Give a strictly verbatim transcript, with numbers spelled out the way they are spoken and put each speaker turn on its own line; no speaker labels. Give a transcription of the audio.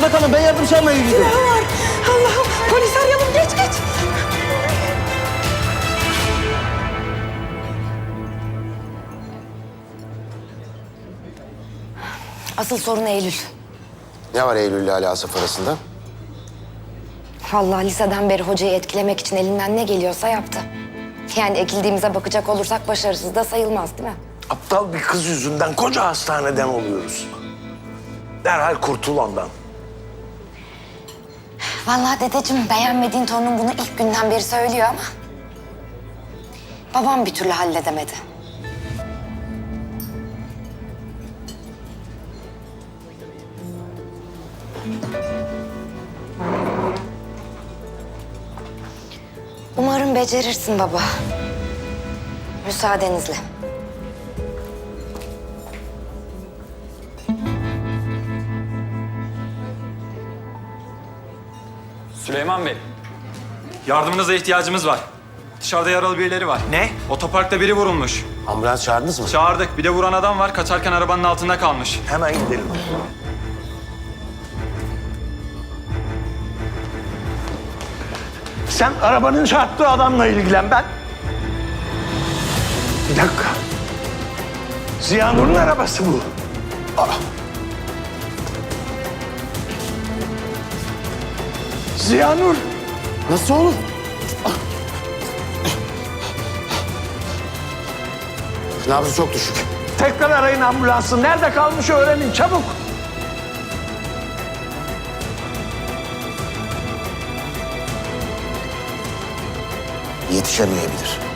burada kalın. Ben yardım çağırmaya gidiyorum.
Silahı var. Allah'ım polis arayalım geç geç.
Asıl sorun Eylül.
Ne var Eylül ile Ali Asaf arasında?
Vallahi liseden beri hocayı etkilemek için elinden ne geliyorsa yaptı. Yani ekildiğimize bakacak olursak başarısız da sayılmaz değil mi?
Aptal bir kız yüzünden koca hastaneden oluyoruz. Derhal kurtul ondan.
Vallahi dedeciğim beğenmediğin torunun bunu ilk günden beri söylüyor ama... babam bir türlü halledemedi. Umarım becerirsin baba. Müsaadenizle.
Süleyman Bey, yardımınıza ihtiyacımız var. Dışarıda yaralı birileri var.
Ne?
Otoparkta biri vurulmuş.
Ambulans çağırdınız mı?
Çağırdık. Bir de vuran adam var. Kaçarken arabanın altında kalmış.
Hemen gidelim. Sen arabanın çarptığı adamla ilgilen ben. Bir dakika. Ziya Nur'un arabası bu. Aa. Ziya Nur.
Nasıl olur? Nabzı çok düşük.
Tekrar arayın ambulansı. Nerede kalmış öğrenin çabuk.
Yetişemeyebilir.